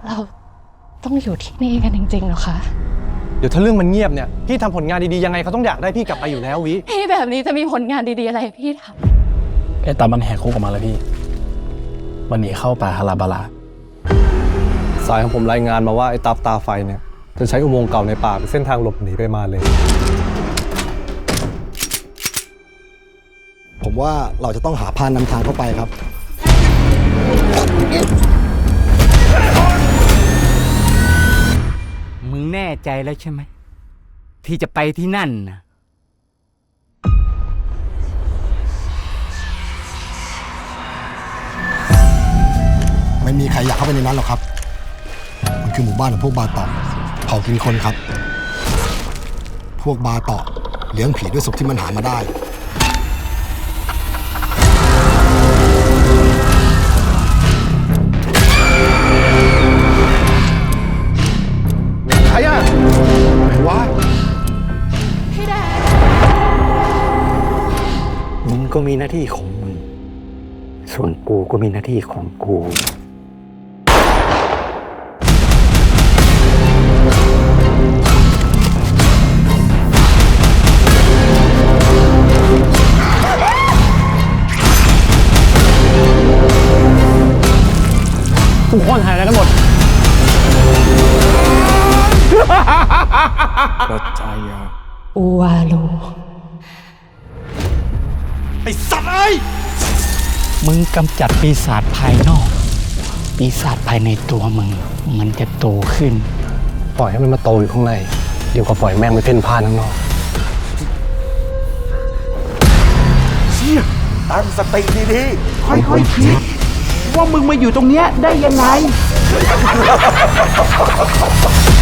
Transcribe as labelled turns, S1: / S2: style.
S1: เราต้องอยู่ที่นี่กันจริงๆเหรอคะ
S2: เดี๋ยวถ้าเรื่องมันเงียบเนี่ยพี่ทำผลงานดีๆยังไงเขาต้องอยากได้พี่กลับไปอยู่แล้ววิ
S1: พี่แบบนี้จะมีผลงานดีๆอะไรพี่ท
S3: ไอ้ตามันแหกคุกออกมาแล้วพี่มันหนีเข้าป่าฮาราบาลา
S2: สายของผมรายงานมาว่าไอ้ตาไฟเนี่ยจะใช้อุโมงค์เก่าในป่าเป็นเส้นทางหลบหนีไปมาเลย
S4: ผมว่าเราจะต้องหาพานนำทางเข้าไปครับ
S5: มึงแน่ใจแล้วใช่ไหมที่จะไปที่นั่นนะ
S4: ไม่มีใครอยากเข้าไปในนั้นหรอกครับมันคือหมู่บ้านของพวกบาเตาะเผ่ากินคนครับ พวกบาเตาะเลี้ยงผีด้วยศพที่มันหามาได้
S2: ใครอะไหนวะ
S1: พี่แดน
S5: มึงก็มีหน้าที่ของมึงส่วนกูก็มีหน้าที่ของกู
S3: ทุกคนหายแล้วกันหมด
S5: ก็ใจอ่ะ
S1: อูวาลู
S2: ไอ้สัตว์ไอ้
S5: มึงกำจัดปีศาจภายนอก ปีศาจภายในตัวมึงมันจะโตขึ้น
S2: ปล่อยให้มันมาโตอยู่ข้างในเดี๋ยวก็ปล่อยแม่งไปเพ่นพ่านข้างนอก
S6: เชี่ยตั้งสติดีๆค่อยๆคิดว่ามึงมาอยู่ตรงเนี้ยได้ยังไง